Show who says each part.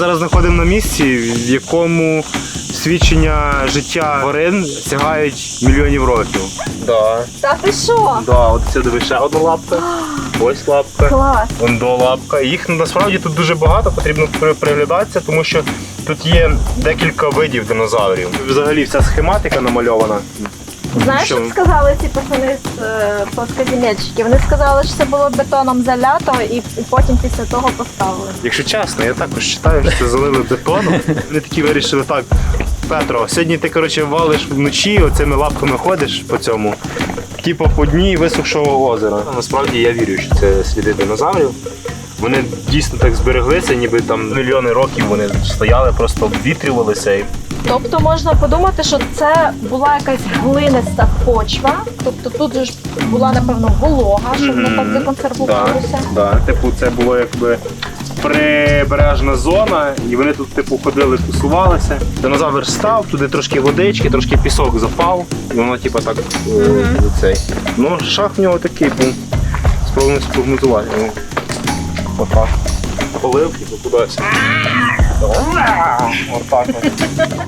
Speaker 1: зараз знаходимо на місці, в якому свідчення життя тварин сягають мільйонів років. Да.
Speaker 2: Та ти що?
Speaker 1: Да, от це диви, ще одна лапка, ось лапка,
Speaker 2: Клас.
Speaker 1: вон до лапка. Їх насправді тут дуже багато, потрібно приглядатися, тому що тут є декілька видів динозаврів. Взагалі вся схематика намальована.
Speaker 2: Знаєш, що сказали ці пацани з плоскоземельщиків? Вони сказали, що це було бетоном залято і потім після того поставили.
Speaker 1: Якщо чесно, я також вважаю, що це залили бетоном. Вони такі вирішили, так, Петро, сьогодні ти, коротше, валиш вночі, оцими лапками ходиш по цьому, типу по дні висохшого озера. Насправді я вірю, що це сліди динозаврів. Вони дійсно так збереглися, ніби там мільйони років вони стояли, просто обвітрювалися.
Speaker 2: Тобто можна подумати, що це була якась глиниста почва, тобто тут же ж була, напевно, волога, щоб не так законсервувалося.
Speaker 1: Так, типу це було якби прибережна зона, і вони тут типу ходили, тусувалися. Динозавр став, туди трошки водички, трошки пісок запав, і воно типу так цей. Ну, шах в нього такий був. Спробуємо спрогнозувати. Отак. Поливки, то кудись. Отак.